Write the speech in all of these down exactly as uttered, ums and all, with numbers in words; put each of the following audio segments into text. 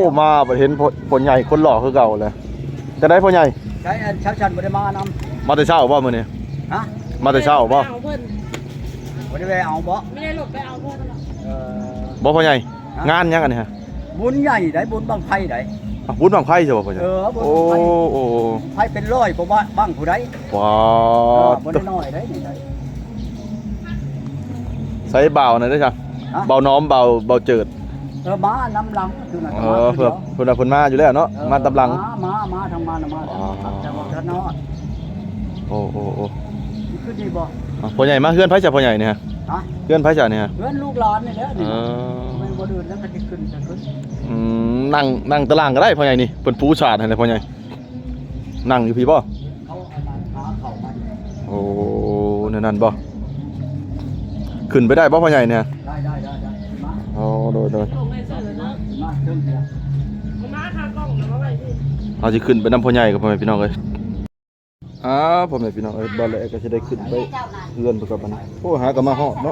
มาบ่เห็นพ่อใหญ่คนหล่อคือเก่าเลยจะได้พ่อใหญ่ใช้อันเช้าชันบ่ได้มานำมาแต่เช้าบ่มื้อนี้ฮะมาแต่เช้าบ่เอาเพิ่นบ่ได้ไปเอาบ่ไม่ได้หลบไปเอาเพิ่นหรอกเออบ่พ่อใหญ่งานยังอันนี้ฮะบุญใหญ่ได้บุญบังไฟได้บุญบังไฟใช่บ่พ่อใหญ่เออบุญโอ้บังไฟโอ้ไฟเป็นร้อยกว่าบ้างผู้ใดว้าบ่ได้น้อยได้นี่ได้ใส่เบาหน่อยได้จ้ะเบาน้อมเบาเบาเจิดเออมาน้ำหลังคือน่ะเออเพิ่นเพิ่นน่ะเพิ่นมาอยู่แล้วเนาะมาตำลังมามามาทางมามาแต่ว่าท่านเนาะโอ้โอ้โอ้คือดีบ่พ่อใหญ่มาเฮือนไผจ้ะพ่อใหญ่เนี่ยฮะฮะเฮือนไผจ้ะเนี่ยฮะเฮือนลูกหลานนี่แหละนี่เออมันบ่เดินแล้วก็สิขึ้นจะขึ้นอืมนั่งนั่งตารางก็ได้พ่อใหญ่นี่เพิ่นปูชาดให้เลยพ่อใหญ่นั่งอยู่พี่บ่เขาเอามาหาเข้ามาโอ้นั่นนั่นบ่ขึ้นไปได้บ่พ่อใหญ่เนี่ยได้ได้ได้ได้มาโอ้โดยโดยส่งให้เสร็จแล้วเนาะมาเชิญเสียมาคากล้องแล้วมาไว้ที่เอาสิขึ้นไปนำพ่อใหญ่กับพ่อแม่พี่น้องเอ้ยอ้าพ่อแม่พี่น้องเอ้ยบ่แล้วก็สิได้ขึ้นไปเฮือนเพิ่นกับบัดนี้โอ้หาก็มาฮอดเนาะ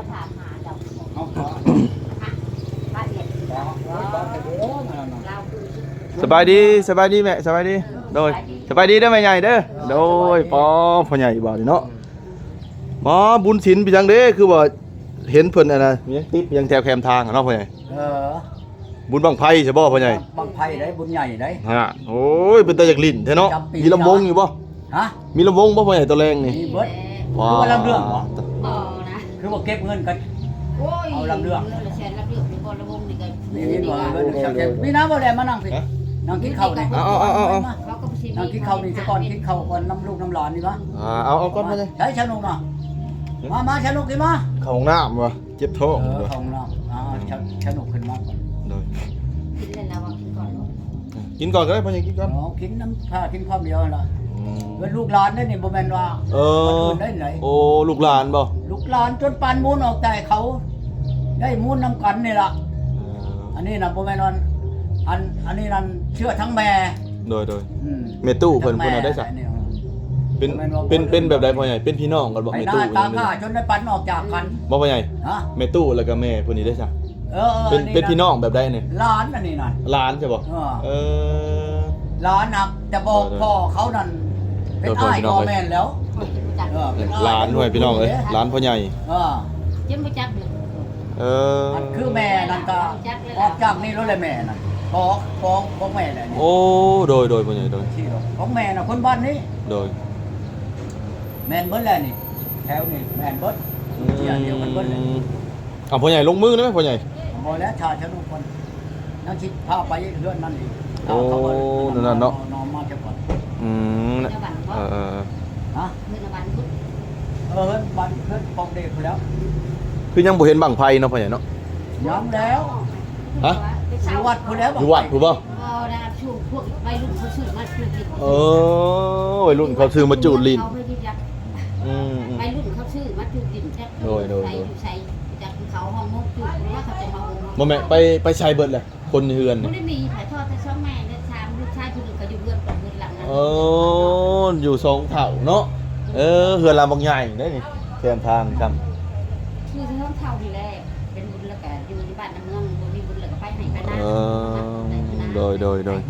สบายดีสบายดีแม่สบายดีโดยสบายดีเด้อแม่ใหญ่เด้อโดยป้อพ่อใหญ่บ่นี่เนาะบ่บุญศีลไปจังเด้คือว่าเห็นเพิ่นอันน่ะมีติดยังแถวแคมทางเนาะพ่อใหญ่เออบุญบังไผใช่บ่พ่อใหญ่บังไผได้บุญใหญ่ได้ฮะโอ้ยเป็นตาจากลิ้นแท้เนาะมีลำวงอยู่บ่ฮะมีลำวงบ่พ่อใหญ่ตัวแรงนี่มีเบิดว้าวลำเรื่องบ่บ่นะคือว่าเก็บเงินกันเอาลำเรื่องแชร์ลำเรื่องนี่บ่ลำวงนี่ก็นี่นี่บ่เบิดพี่น้าบ่ได้มานั่งพี่นั่งกินข้าวนี่เอาเอาเอาเอานั่งกินข้าวนี่ซะก่อนกินข้าวก่อนน้ำลูกน้ำหลานนี่มาอ่าเอาเอาก่อนพ่อใหญ่ใช้ชะนุกมามามาชะนุกขึ้นมาเข้าห้องน้ำบ่เจ็บท้องเออเข้าห้องน้ำอ่าชะนุกขึ้นมาก่อนโดยกินเล่นแล้วว่ากินก่อนกินก่อนก็ได้พ่อใหญ่กินก่อนอ๋อกินน้ำผ้ากินความเดียวล่ะเป็นลูกหลานได้นี่บ่แม่นว่าเออได้ไหนโอ้ลูกหลานบ่ลูกหลานจนปานมูลออกแต่เขาได้มูลนำกันนี่ล่ะอันนี้น่ะบ่แม่นว่าอันอันนี้นั่นเชื่อทั้งแม่โดยโดยแม่ตู้เพิ่นเพิ่นเอาได้ซะเป็นเป็นเป็นแบบใดพ่อใหญ่เป็นพี่น้องกันบ่แม่ตู้ตาข้าจนได้ปันออกจากกันบ่พ่อใหญ่ฮะแม่ตู้แล้วก็แม่เพิ่นนี่ได้ซะเออเป็นเป็นพี่น้องแบบใดนี่หลานอันนี้นั่นหลานใช่บ่เออหลานน่ะจะบอกพ่อเขานั่นเป็นอ้ายพ่อแม่นแล้วเออหลานด้วยพี่น้องเอ้ยหลานพ่อใหญ่เออยังบ่จักเออมันคือแม่นั่นก็ออกจากนี่แล้วแหละแม่น่ะขอขอของแม่แหละนี่โอ้โดยโดยพ่อใหญ่โดยของแม่น่ะคนบ้านนี้โดยแม่นเบิดแล้วนี่แถวนี่แม่นเบิดเที่ยเดียวกันเบิดเลยอ้าวพ่อใหญ่ลงมือได้มั้ยพ่อใหญ่บ่แล้วชาชะนุคนนั่งคิดพาไปเฮือนนั่นอีกโอ้นั่นๆเนาะนอนมาจักก่อนอืมเออๆฮะเฮือนบ้านพุทธเออเฮือนบ้านเฮือนปองเด็กพุ่นแล้วคือยังบ่เห็นบั้งไฟเนาะพ่อใหญ่เนาะยังแล้วฮะอยู่วัดพุ่นแล้วอยู่วัดพุ่นบ่เออนะช่วงพวกวัยรุ่นเขาซื้อมาจูดลิ้นเออวัยรุ่นเขาซื้อมาจูดลิ้นอืมวัยรุ่นเขาซื้อมาจูดลิ้นจักโดยโดยใส่จากเขาห้องมุกจูดเพราะว่าเขาจะมาห้องบ่แม่ไปไปใช้เบิดเลยคนเฮือนบ่ได้มีถ่ายทอดแต่ช่องแม่และชามลูกชายผู้นึงก็อยู่เฮือนกับเฮือนหลังนั้นเอออยู่สองเฒ่าเนาะเออเฮือนลำบางใหญ่ได้นี่แคมทางครับคือช่องเฒ่านี่แหละเป็นบุญแล้วก็อยู่ที่บ้านน้ำเมืองบ่มีบุญแล้วก็ไปไหนไปนะเออโดยโดยโดย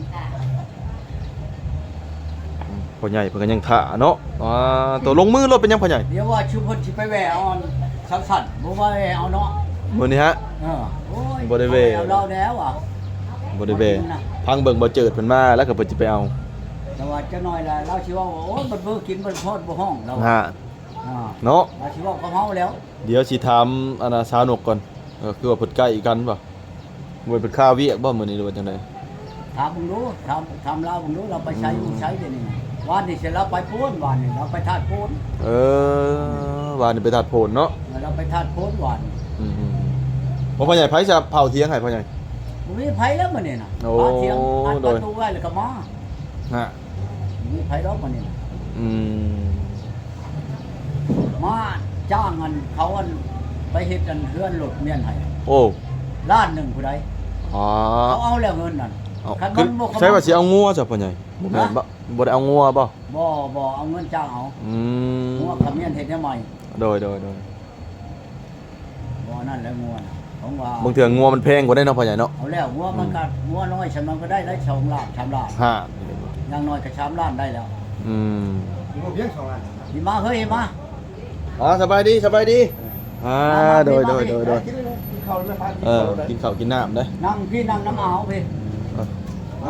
พ่อใหญ่เพิ่นก็ยังท่าเนาะอ่าตัวลงมือรถเป็นยังพ่อใหญ่เดี๋ยวว่าชุมเพิ่นสิไปแหวเอาสักสั่นบ่ว่าแหวเอาเนาะมื้อนี้ฮะเออโอ้ยบ่ได้แหวเอาเราแล้วอ่ะบ่ได้แหวพังเบิ่งบ่เจิดเพิ่นมาแล้วก็เพิ่นสิไปเอาแต่ว่าจะน้อยล่ะเราสิว่าโอ้ยมันเบิ่งกินมันพอดบ่ห้องเราฮะเนาะเราสิว่าเขาเฮาแล้วเดี๋ยวสิถามอันน่ะสาวนกก่อนเออคือว่าเพิ่นใกล้กันบ่บ่เป็นข้าวเวียกบ่มื้อนี้หรือว่าจังได๋ถามมึงดูถามถามเรามึงดูเราไปใช้มึงใช้เดี๋ยวนี้วันนี้เสร็จแล้วไปโพนวันนี้เราไปทาดโพนเออวันนี้ไปทาดโพนเนาะเราไปทาดโพนวันอืมๆพ่อใหญ่ไผจะเผาเที่ยงให้พ่อใหญ่บ่มีไผแล้วมื้อนี้น่ะเผาเที่ยงอัดประตูไว้แล้วก็มาฮะมีไผแล้วมื้อนี้อืมมาจ้างกันเขาอันไปเฮ็ดอันเฮือนรถเมียนให้โอ้ล้านนึงผู้ใดอ๋อเขาเอาแล้วเงินนั่นคันมันบ่ใช่ว่าสิเอางัวจ้ะพ่อใหญ่บ่แม่นบ่บ่ได้เอางัวบ่บ่บ่เอาเงินจ้างเอาอืมงัวขมิ้นเฮ็ดได้ใหม่โดยๆๆบ่นั่นแหละงัวของว่าบางเถื่องัวมันแพงกว่าได้เนาะพ่อใหญ่เนาะเอาแล้วงัวมันก็งัวน้อยฉันมันก็ได้ได้สองล้านสามล้านฮะอย่างน้อยก็สามล้านได้แล้วอืมพี่มาเฮ้ยมาอ๋อสบายดีสบายดีอ่าโดยโดยโดยโดยเออกินข้าวกินน้ำได้นั่งพี่นั่งน้ำเอาพี่มา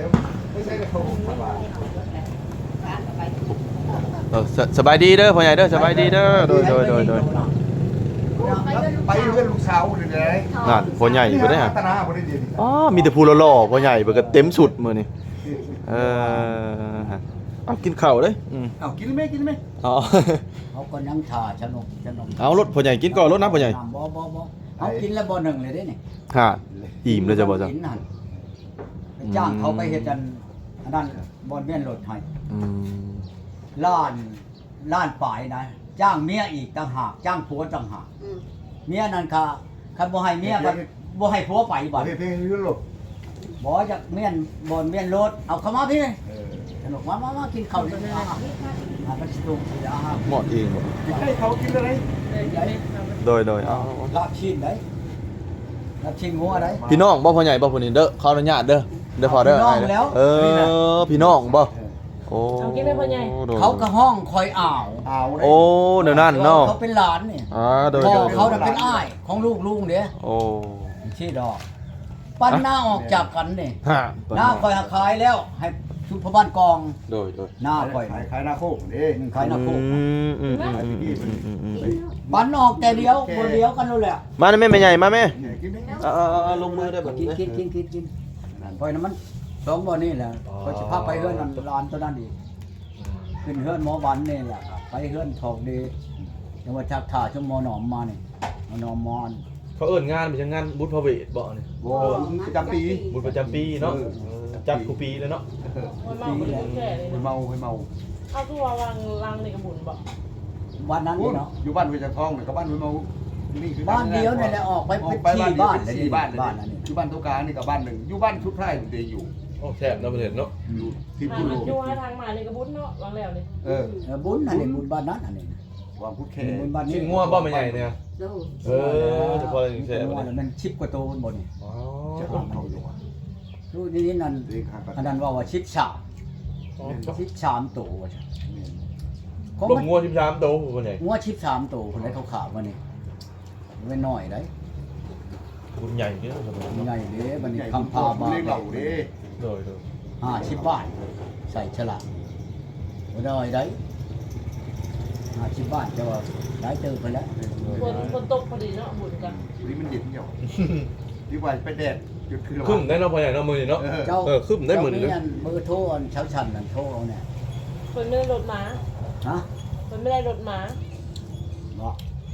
เออสสบายดีเด้อพ่อใหญ่เด้อสบายดีเด้อโดยโดยโดยโดยไปเพื่อนลูกสาวเลยไงนั่นพ่อใหญ่บ่ได้ฮะตนาบ่ได้ดีอ๋อมีแต่ผู้หล่อๆพ่อใหญ่เบิดก็เต็มสุดมื้อนี้เออฮะเอากินข้าวเด้ออืมเอากินไหมกินไหมอ๋อเขาก็นั่งถ่าชนกชนกเอารถพ่อใหญ่กินก่อนรถน้ำพ่อใหญ่บ่บ่บ่เขากินแล้วบ่หนึ่งเลยเด้นี่ฮะอิ่มแล้วจะบ่จังกินนั่นไปจ้างเขาไปเฮ็ดกันอันนั้นบ่เมียนรถให้อืมล้านล้านฝ่ายนะจ้างเมียอีกต่างหากจ้างผัวต่างหากอืมเมียนั่นค่ะคันบ่ให้เมียก็บ่ให้ผัวไปบัดเพลงยุโรปบ่จากเมียนบ่เมียนรถเอาเข้ามาพี่สนุกมามามากินข้าวด้วยนะอ่ามันสิตุกสิอาหารหมดเองบ่ให้เขากินอะไรโดยโดยเอาลาบชิ้นได้ลาบชิ้นหัวได้พี่น้องบ่พ่อใหญ่บ่ผู้นี้เด้อขออนุญาตเด้อเด้อพอเด้อพี่น้องแล้วเออพี่น้องบ่โอ้เอากินได้พ่อใหญ่โดยเขาก็ห้องคอยอ่าวเอาโอ้เดี๋ยวนั้นเนาะเขาเป็นหลานนี่อ่าโดยพ่อโดยเขาน่ะเป็นอ้ายของลูกลุงเด้โอ้ที่ดอกปั้นหน้าออกจากกันนี่ฮะหน้าคอยหาขายแล้ว ให้ชุบพบ้านกองโดยโดยหน้าคอยขายขายหน้าโคกนี่หนึ่งขายหน้าโคกอืมอืมอืมอืมอืมอืมอืมปั้นออกแต่เดียวคนเดียวกันนู่นแหละมาแม่แม่ใหญ่มาแม่กินไหมเอาเอาเอาเอาลงมือได้แบบกินนี้กินกินกินกินคอยน้ำมันสองบ่อนี่แหละคอยจะพาไปเฮือนนั่นร้านตัวนั้นอีกขึ้นเฮือนหมอวันนี่แหละไปเฮือนทองดีจังหวัดชักถ่าชั่วโมอหนอมมานี่หมอหนอมมอนเขาเอิ้นงานเป็นงานบุญพระเวทบ่นี่โว้ประจำปีบุญประจำปีเนาะจัดกูปีเลยเนาะมันเมาเป็นแก่เลยไปนะเมาไปเมาเอาตัววางรังในกระบุนบอกวันนั้นนี่เนาะอยู่บ้านไปจากท้องเนี่ยกับบ้านไปเมานี่คือบ้านเดียวนี่แหละออกไปออไปกไปที่บ้านบ้านสี่บ้านบ้านอันนี้อยู่บ้านตุกานี่กับบ้านหนึ่งอยู่บ้านชุดไพร่ผมเดอยู่โอ้แซ่บเนาะประเทศเนาะอยู่ที่มัพูนโลอยู่ให้ทางมาในกระบุนเนาะวางแล้วเลยเออเออบุญอันนี้บุญบ้านนั้นอันนี้วางพุทธแค่บุญบ้านนี้ชิ้นงัวบ่แม่ใหญ่เนี่ยดูเออเฉพาะอย่างแซ่บงัวเนี่ยมันชิบกว่าโตบนบนนี่อ๋อจะทำเขาอยู่อ่ะดูนี่นั่นเรียกขาดอันนั้นว่าว่าชิบสามชิบสามโตว่าจ้ะของลมังนงัวสิบสามโตคนใหญ่งัวชิบสามโตคนได้เขาขาบมานี่ไม่น้อยได้บุญใหญ่เด้อใหญ่เด้บัดนี้ใหญ่คำพาบาเรียกเหล่าเด้โดยโดยห้าสิบบาทใส่ฉลากบ่ได้ได้ห้าสิบบาทจะว่าได้เจอไปแล้วคนคนตกพอดีเนาะบุญกันนี่มันเย็นเหี่ยวดีกว่าไปแดดจุดคือขึ้นได้เนาะพ่อใหญ่เนาะมื้อนี้เนาะเออเจ้าเออขึ้นได้หมื่นหนึ่งเจ้าอัเบอร์โทรอันเช้าชันนั่นโทรเอาเนี่ยคนไม่ได้รถม้าฮะคนไม่ได้รถม้าบอก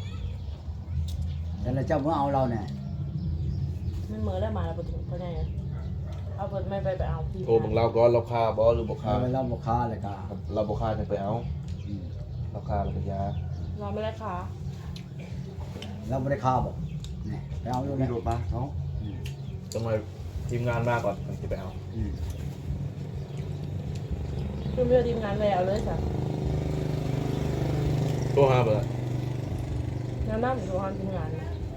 แต่ละเจ้าเมื่อเอาเราเนี่ยมันเหมือนได้มาแล้วประตูพ่อใหญ่เอาเปิดไม่ไปไปเอาพี่โทรบังเราก่อนเราคาบ่หรือบ่คาเอาไปเล่าบุค้าเลยค่ะเราบ่คาจะไปเอาเราคาเราก็ยาเราไม่ได้ขาเราไม่ได้ค้าบอกนี่ไปเอาอยู่มีเนี่ยรถมาเนาะต้องมาทีมงานมาก่อนถึงจะไปเอาคือไม่ได้ทีมงานแล้วเลยจ้ะโทรหาเบอร์น้ำน้ำดูความทีมงาน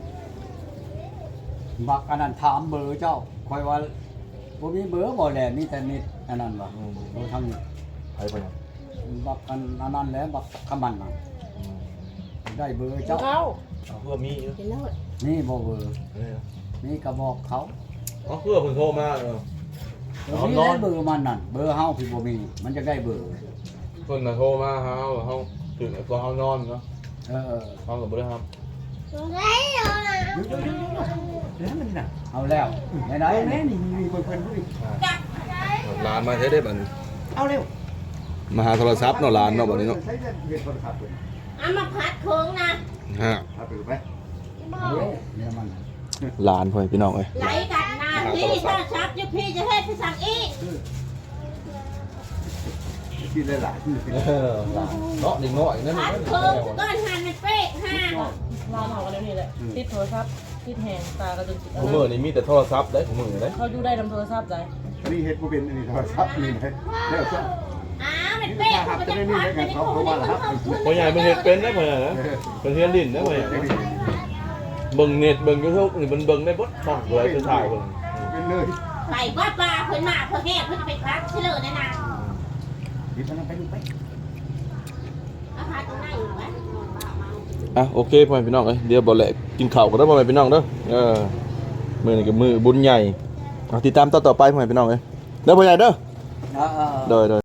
บักอันนั้นถามเบอร์เจ้าคอยว่าผมมีเบอร์บ่แหละมีแต่นิดอันนั้นวะเราทำนี่ไปไปยังบักอันอันนั้นแหล้วบักขมันน่ะได้เบอร์เจ้าเข้าเอาเพื่อมีอยู่กินแล้วนี่บ่เบอร์นี่นะนี่ก็บอกเขาเอาเพื่อคนโทรมาเออเออมีได้เบอร์มันนั่นเบอร์เฮาพี่บ่มี มันจะได้เบอร์คนน่ะโทรมาเฮาเฮาตื่นตอนเฮานอนเนาะเออเฮาก็บ่ได้ครับเดี๋ยวมันน่ะเอาแล้วไหนไหนแม่นี่นี่มีคนเพื่อนด้วยร้านมาใช้ได้บัดนี้เอาเร็วมาหาโทรศัพท์เนาะร้านเนาะบัดนี้เนาะใช้เงินเงินโทรศัพท์เลยเอามาพัดโค้งนะฮะเอาไปไหมเนี่ยมันร้านพ่อพี่น้องเอ้ยไหลกันหน้าพี่ถ้าชับจะพี่จะให้พี่สั่งอีกที่ได้หลายที่เออร้านเนาะนิดหน่อยนั่นพัดโค้งก้อนหันมันเป๊ะห้าเราเผากันเดี๋ยวนี้แหละติดโทรศัพท์ติดแหงตากระจุกผมมือนี่มีแต่โทรศัพท์ได้ผมมือได้เขาอยู่ได้ทำโทรศัพท์ใจนี่เฮ็ดกูเป็นอันนี้โทรศัพท์นี่นะแล้วก็อ้าวมันเป๊ะมันจะพัดมันจะโค้งมันจะเข้าขึ้นพ่อใหญ่ไม่เฮ็ดเป็นนะพ่อใหญ่นะเป็นเฮียนลิ้นนะพ่อใหญ่เบิ่งเน็ตเบิ่ง YouTube นี่มันเบิ่งได้เบดช่องเลยคือถ่ายเบิ่งเป็นเลยไปว่าปลาเพิ่นมาเพิ่นแห่เพิ่นจะไปครั้งเชื่อแน่นะดิบมันไปดูไปอาหารตรงไหนอยู่วะอ่ะโอเคพ่อแม่พี่น้องเอ้ยเดี๋ยวบ่แหละกินข้าวกันเด้อพ่อแม่พี่น้องเด้อเออมื้อนี้ก็มื้อบุญใหญ่เอาติดตามต่อๆไปพ่อแม่พี่น้องเอ้ยเด้อพ่อใหญ่เด้อเออโดยโดย